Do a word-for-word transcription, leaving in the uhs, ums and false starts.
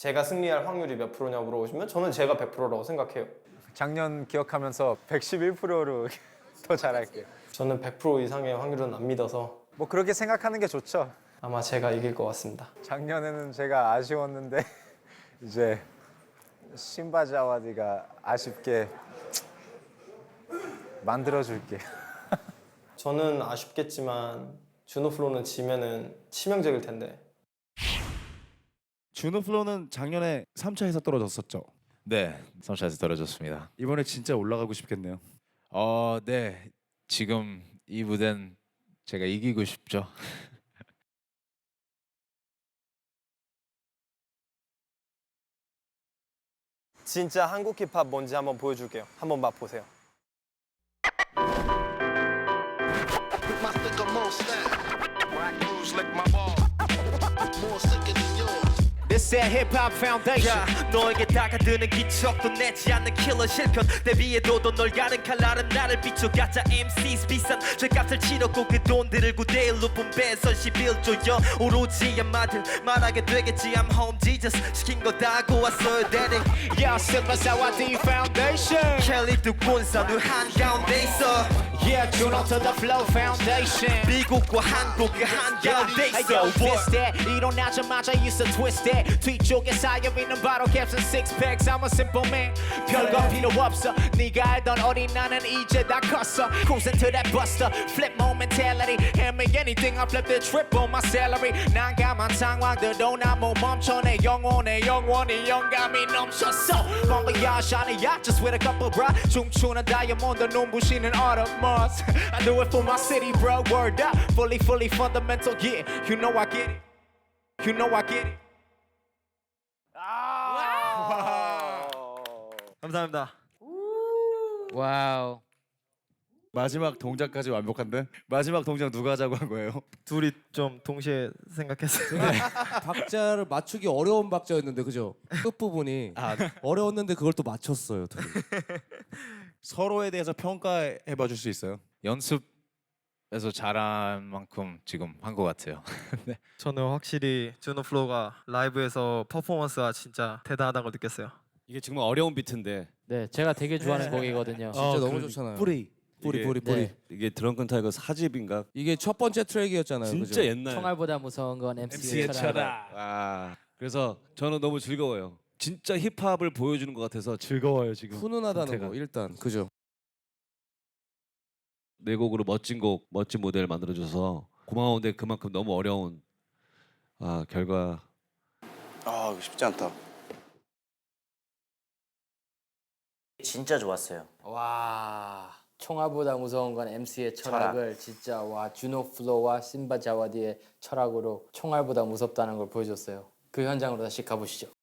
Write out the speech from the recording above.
제가 승리할 확률이 몇 프로냐고 물어보시면 저는 제가 백 퍼센트라고 생각해요. 작년 기억하면서 백십일 퍼센트로 더 잘할게요. 저는 백 퍼센트 이상의 확률은 안 믿어서 뭐 그렇게 생각하는 게 좋죠. 아마 제가 이길 것 같습니다. 작년에는 제가 아쉬웠는데 이제 신바자와디가 아쉽게 만들어줄게. 저는 아쉽겠지만 준호플로는 지면은 치명적일 텐데. 준호플로는 작년에 삼 차에서 떨어졌었죠. 네, 삼 차에서 떨어졌습니다. 이번에 진짜 올라가고 싶겠네요. 어, 네. 지금 이 무대는 제가 이기고 싶죠. 진짜 한국 힙합 뭔지 한번 보여줄게요. 한번 맛보세요. My thicker, more style. Rock moves like my ball. More sicker than yours. This that hip hop foundation. yeah, 너에게 다가드는 기척도 내지 않는 킬러 실편 대비해도 널 가른 칼날은 나를 비춰 가짜 엠시스 비싼 죄값을 치렀고 그 돈들을 구대일로 분배선 십일 조여 오로지 한마들 말하게 되겠지 I'm home Jesus 시킨 거 다 하고 왔어야 되니 Yeah, 신바자와디 foundation. 켈리 두 군산우 한가운데 있어 Yeah, Juno to the flow foundation. 미국과 한국 그 한가운데 Hey 있어 yo, this that 일어나자마자 있어 twist that 뒤쪽에 쌓여있는 바로 캡슨 six packs I'm a simple man 별거 필요 없어 네가 알던 어린 나는 이제 다 컸어 Cruising to that buster flip more mentality Hand me anything I flip the triple my salary 난감한 상황들도 나 못 멈춰 내 영혼의 영원히 영감이 넘쳤어 Bon voyage 아니야 just with a couple bra 춤추는 다이아몬드 눈부시는 autumn moss I do it for my city bro word up fully fully fundamental yeah you know I get it you know I get it 감사합니다 와우. 마지막 동작까지 완벽한데? 마지막 동작 누가 하자고 한 거예요? 둘이 좀 동시에 생각했어요 박자를 맞추기 어려운 박자였는데 그죠? 끝 부분이 어려웠는데 그걸 또 맞췄어요. 둘이. 서로에 대해서 평가해 봐 줄 수 있어요? 연습에서 잘한 만큼 지금 한 것 같아요. 네. 저는 확실히 준호플로가 라이브에서 퍼포먼스가 진짜 대단하다는 걸 느꼈어요 이게 정말 어려운 비트인데 네, 제가 되게 좋아하는 곡이거든요. 진짜 너무 좋잖아요. 뿌리 뿌리 이게- 뿌리 뿌리. 네. 이게 드렁큰 타이거 사집인가? 이게 첫 번째 트랙이었잖아요. 진짜 그죠? 옛날. 총알보다 무서운 건 엠시의 철학. 아 그래서 저는 너무 즐거워요. 진짜 힙합을 보여주는 것 같아서 즐거워요 지금. 훈훈하다는 상태가. 거 일단 그죠? 내 곡으로 멋진 곡, 멋진 무대를 만들어줘서 고마운데 그만큼 너무 어려운 아 결과. 아, 이거 쉽지 않다. 진짜 좋았어요. 와. 총알보다 무서운 건 엠시의 철학을 진짜 와 준호 플로와 신바 자와디의 철학으로 총알보다 무섭다는 걸 보여줬어요. 그 현장으로 다시 가보시죠.